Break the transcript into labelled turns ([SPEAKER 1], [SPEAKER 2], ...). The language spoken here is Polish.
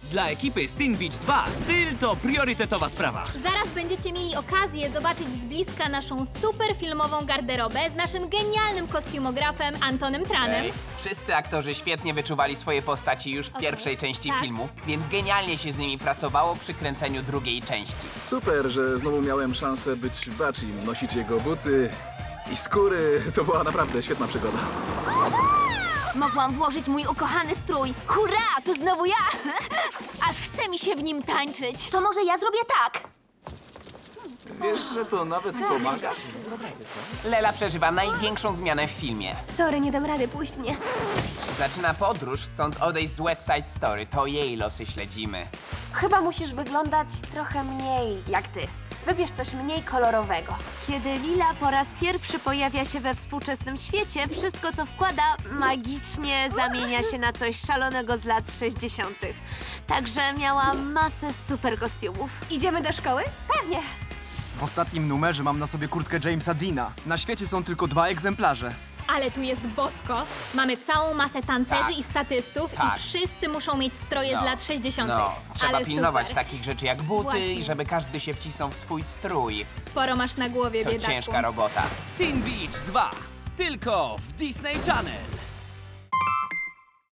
[SPEAKER 1] Dla ekipy z Teen Beach 2 styl to priorytetowa sprawa.
[SPEAKER 2] Zaraz będziecie mieli okazję zobaczyć z bliska naszą super filmową garderobę z naszym genialnym kostiumografem Antonem Tranem.
[SPEAKER 3] Wszyscy aktorzy świetnie wyczuwali swoje postaci już w pierwszej części filmu, więc genialnie się z nimi pracowało przy kręceniu drugiej części.
[SPEAKER 4] Super, że znowu miałem szansę być Bachim, nosić jego buty i skóry. To była naprawdę świetna przygoda.
[SPEAKER 5] Mogłam włożyć mój ukochany strój. Hurra, to znowu ja! Aż chce mi się w nim tańczyć. To może ja zrobię tak.
[SPEAKER 4] Wiesz, że to nawet pomaga?
[SPEAKER 3] Lela przeżywa największą zmianę w filmie.
[SPEAKER 5] Sorry, nie dam rady, puść mnie.
[SPEAKER 3] Zaczyna podróż, chcąc odejść z West Side Story. To jej losy śledzimy.
[SPEAKER 5] Chyba musisz wyglądać trochę mniej jak ty. Wybierz coś mniej kolorowego. Kiedy Lila po raz pierwszy pojawia się we współczesnym świecie, wszystko co wkłada magicznie zamienia się na coś szalonego z lat 60. Także miałam masę super kostiumów. Idziemy do szkoły? Pewnie.
[SPEAKER 6] W ostatnim numerze mam na sobie kurtkę Jamesa Deana. Na świecie są tylko 2 egzemplarze.
[SPEAKER 2] Ale tu jest bosko. Mamy całą masę tancerzy
[SPEAKER 3] Tak.
[SPEAKER 2] i statystów
[SPEAKER 3] Tak.
[SPEAKER 2] i wszyscy muszą mieć stroje z lat 60.
[SPEAKER 3] No, trzeba
[SPEAKER 2] Ale
[SPEAKER 3] pilnować
[SPEAKER 2] super.
[SPEAKER 3] takich rzeczy jak buty
[SPEAKER 2] Właśnie.
[SPEAKER 3] i żeby każdy się wcisnął w swój strój.
[SPEAKER 2] Sporo masz na głowie,
[SPEAKER 3] To
[SPEAKER 2] biedaku.
[SPEAKER 3] ciężka robota.
[SPEAKER 1] Teen Beach 2 tylko w Disney Channel.